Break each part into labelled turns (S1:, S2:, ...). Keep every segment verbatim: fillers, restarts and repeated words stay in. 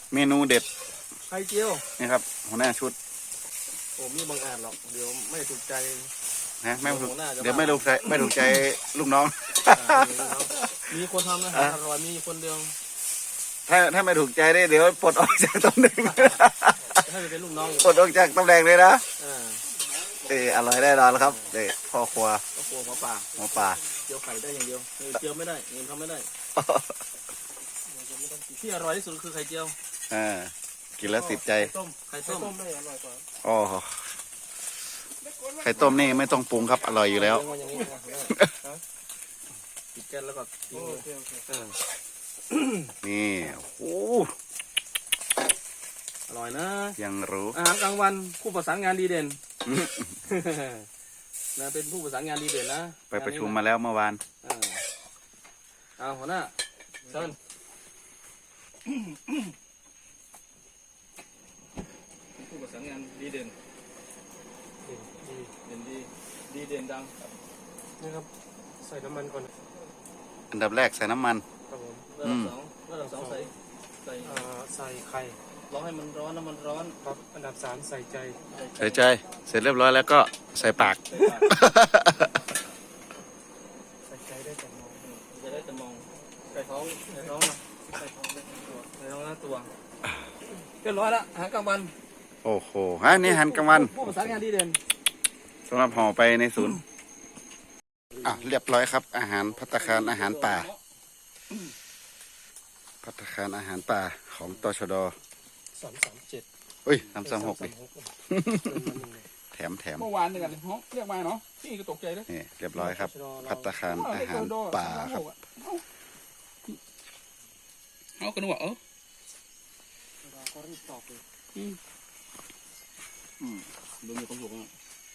S1: เมนูเด็ด
S2: ไข่เจียว
S1: นี่ครับหัวหน้าชุด
S2: ผมนี่บางอาจหรอกเดี๋ยวไม่ถูกใจ
S1: นะไม่ถูกเดี๋ยวไม่ถูกใจไม่ถูกใจลูกน้อง
S2: มีคนทำนะอร่อยมีคนเดียว
S1: ถ้าถ้าไม่ถูกใจได้เดี๋ยวปลดออกจากตำแหน่ง
S2: ให้เป็นลูกน้อง
S1: ปลดออกจากตำแหน่งเลยนะเอออร่อยแน่นอนครับเด็กพ่อครัว
S2: พ่อครัวหมอป่า
S1: หมอป่า
S2: เจียวไข่ได้อย่างเดียวเจียวไม่ได้เงินทำไม่ได้ที่อร่อยที่สุดคือไข่เจียว
S1: อ่ากินแล้วติดใจ
S2: ไข่ต้มได้อร่อยกว่า
S1: อ๋อไข่ต้มนี่ไม่ต้องปรุงครับอร่อยอยู่แล้ว
S2: ติดแก๊สแล้วก็ทิ้งเลย
S1: นี่โอ้
S2: อร่อยนะ
S1: ยังรู้
S2: อาหารกลางวันผู้ประสานงานดีเด่นนะเป็นผู้ประสานงานดีเด่นนะ
S1: ไปประชุมมาแล้วเมื่อวาน
S2: เอาหัวหน้าเชิญผู้ประสานงานดีเด่นเด่นดีดีเด่นดังนี่ครับใส่น้ำมันก่อน
S1: อันดับแรกใส่น้ำมัน
S2: ครับผมระดับสองระดับสองใส่ใส่ใส่ไข่ร้อนให้มันร้อนน้ำมันร้อนครับอันดับสามใส่ใจ
S1: ใส่ใจเสร็จเรียบร้อยแล้วก็ใส่ปาก
S2: ใส่ใจได้แต่มองจะได้แต่มองใส่ท้องใส่ท้องนะใส่ท้องใส่ท้องหน้าตัวเรียบร้อยละอาหารกลางวัน
S1: โอ้โหฮะนี่อาหารกลางวัน
S2: ผู้ประสานงานดีเด่น
S1: สำหรับห่อไปในศูนย์อ่ะเรียบร้อยครับอาหารภัตตาคารอาหารป่าภัตตาคารอาหารป่าของตชด
S2: สามสามเจ็ด
S1: เฮ้ยสามสามหกดิแถมแถม
S2: เมื่อวานเนี่ยกันเนาะเรียกมาเนาะพี่ก็ตกใจเลย
S1: นี่เรียบร้อยครับภัตตาคารอาหารป่าครับ
S2: เอากันวะเออก็รีบตอบเลยอืมอืมดูมีความสุขอ่ะ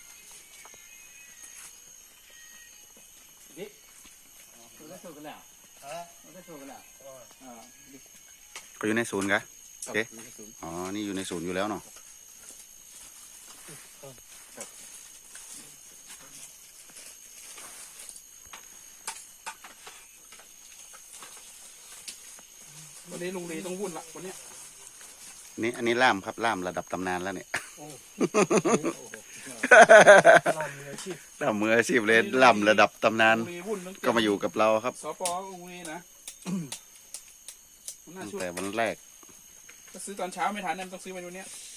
S2: ดิเราได้โชว์กันแล้วเราได้โชว์กันแล้วอ่า
S1: ก็อยู่ในศูนย์กะโอเคอ๋อนี่อยู่ในศูนย์อยู่แล้วเนาะ
S2: วันนี้ลุงลีต้องวุ่นละวันนี้
S1: นี่อันนี้ล่ามครับล่ามระดับตำนานแล้วเนี่ยล่ามมืออาชีพเลยล่ามระดับตำนานก็มาอยู่กับเราครับ
S2: สปลุงลีนะ
S1: ตั้งแต่วันแรก
S2: ก็ซื้อตอนเช้าไม่ทันเนี่ยต้องซื้อไปวันนี้